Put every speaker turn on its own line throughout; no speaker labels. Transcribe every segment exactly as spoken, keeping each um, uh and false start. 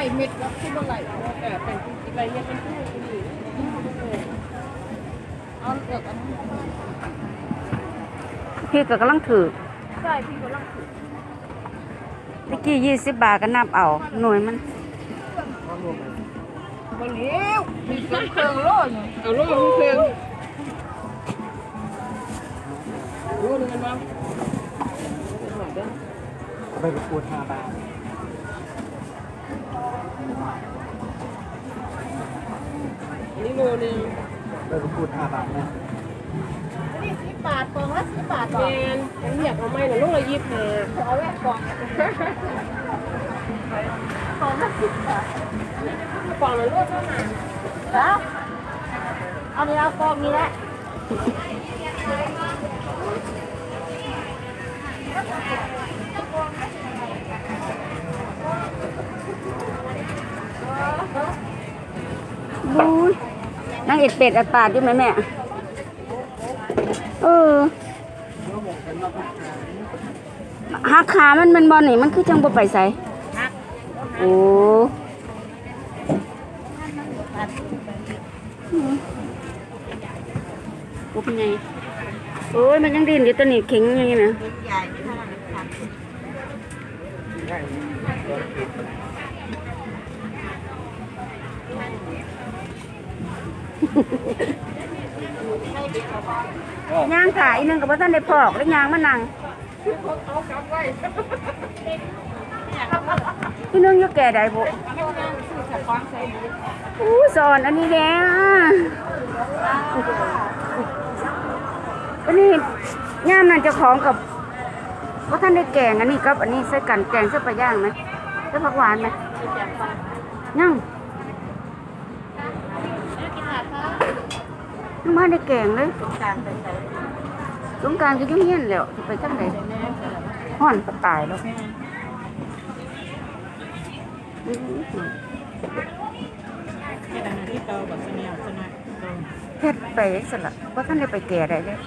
เม็ดแล้วขึ้นมาไหลแต่เป็นอะไรเนี่ยเป็นผู้ดีเอาเลือกอันนี้
พี่ก็กำลังถือ
ใช่พี่กำลังถือ
ตะกี้ยี่สิบบาทก็นับเอาหน่วยมัน
บะเลี้ยวมีเครื่องเครื่องโล่เนี่ยเอาโล่มีเครื่องโล่หนึ่งกันมั้ง
ไปประกวดห้าบาท
อันนี้โลนึง
ไปประกวดห้าบาทนะ
นี่สิบบาทกล่องละสิบบาทแมนยังอยากเอาไหมหน่ะลูกละยี่สิบห้าเอาแว่นกล่องกล่องละสิบบาทกล่องละลูกเท่านั้นแล้วเอาเนื้อกล่องนี้แหละ
บูยนั่งเอ็ดเป็ดอัดปาดอยู่ไหมแม่เออหักขามันมันบอลนี่มันคือจังบ่ไปใส่โอ้ปุ๊บไงโอ้ยมันยังดินอยู่ตัวนี้เข็งอย่างนี้นะย่างถ่ายนึงกับว่าท่านได้พอกแล้วย่างมานั่งพี่นึงยกแก่ได้บุอู้สอนอันนี้แกอันนี้ย่ามนั่นเจ้าของกับว่าท่านได้แกงอันนี้กับอันนี้ใส่กันแกงใส่ปลาย่างไหมใส่ผักหวานไหมย่างน้ำมันได้แกงเลยสงกรานต์ก็ยุ่งเย็นแล้วจะไปจังไหนห่อนก็ตายแล้วเฮ็ดไปสละว่าท่านได้ไปแก่ได้เลย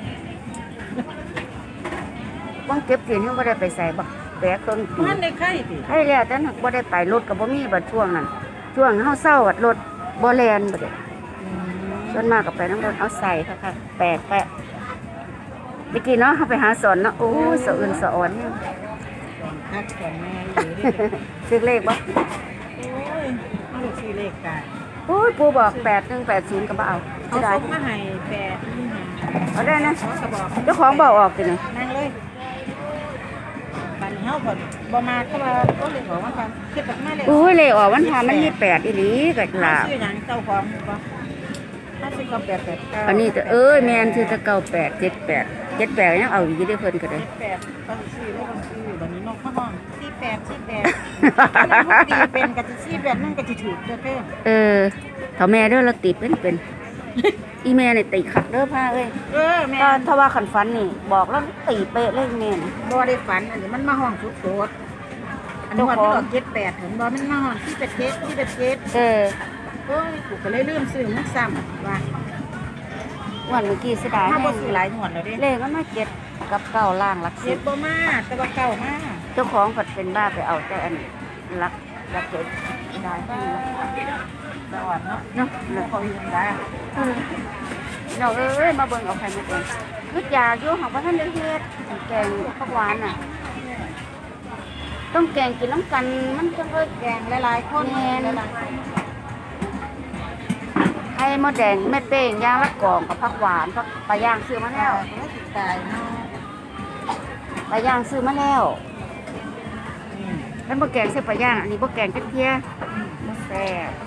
ว่างเก็บเสียนยังบ่ได้ไปใส่บักแบกเครื่องตีมันได้ไข่ติไข่แล้วแต่นักบ่ได้ไปรถกับบ่มีบัดช่วงนั้นช่วงเฮาเศร้าบัดรถบ่แล่นบัดส่วนมากก็ไปน้ำรถเอาใส่ค่ะค่ะแปลกแปะเมื่อกี้เนาะเขาไปหาสอนเนาะโอ้สะอื่นสะอ่อนเนี่ย
นักสอนแม่
ซื้อเลขบ่
โอ้ยลูกซื้อเลขกัน
โอ้ยปูบอกแปดหนึ่งแปดศูนย์ก็บ่เอา
เอาส่งมาให้แปด
เอาได้นะเจ้าของบอกออกสิเนี่ย
นั่งเลยบันเฮาบ่บ่มาเข้ามาก็เลยบอกว่าความคิดแบบมาเลย
โอ้ยเลขออกวันพามันมีแปดอีหลีก็ล่ะ
ซื้อหยังเจ้าของบ่ถ้าซื้อก็แปดแปดเก้า
อันนี้จะเอ้ยแม่นซื้อตะเก้าแปดเจ็ดแปดเจ็ดแปดยังเอาอยู่ได้เพิ่นก็ได้
แปดตอนซื้อแล้วต้องซื้อบัดนี้นกข้างห้องสี่แปดสี่แปดตีเป็นกะสิสี่แปดนั่นกะสิถูกเด้อเด้อ
เออถ้าแม่เด้อเราติดเป็นเป็นอีแม่นี่ตีขัดเด้อผ้าเอ้ย
เออแม่
ถ้าว่าขันฟันนี่บอกแล้วตีเป๊ะเลยแม่น่ะ
บ่ได้ฝันอันนี้มันมาห้องสุดโสดอันนี้มันก็เจ็ดแปดถึงบ่มันมาห้องที่เป็ดเจ็ดที่เป็ดเจ็ด
เออ
โอ้ยกูก็เลยลืมซื้อมันซ้ำว่า
วันเมื่อกี้เสียดาย
ถ้าบ่ซื้อหลายหวนแล้วเด้
เลขมันมาเจ็ดกับเก้าล่างหลักสิ
เจ็
บ
ดบ่มาแต่ว่าเก้ามา
เจ้าของผัดเป็นบ้าไปเอาแต่อันหลักหลักเจ็ดได้ที่
สวัสดีเนาะ
เนาะ
เขาอยู่ได้
เราเอ้ยมาเบิ่งเอาไข่มาเองคือยาอยู่ของพระท่านเฮ็ดแกงผักหวานน่ะต้องแกงกินน้ำกันมันจะเลย
แกงหลายๆคนหลาย
ไข่มดแดงแม่เป้งย่างละกล่องกับผักหวานผักปลาย่างซื้อมาแล้ว
ตายเนาะ
ปลาย่างซื้อมาแล้วแล้วบ่แกงใส่ปลาย่างอันนี้บ่แกงกระเทียมบ่แซ่บ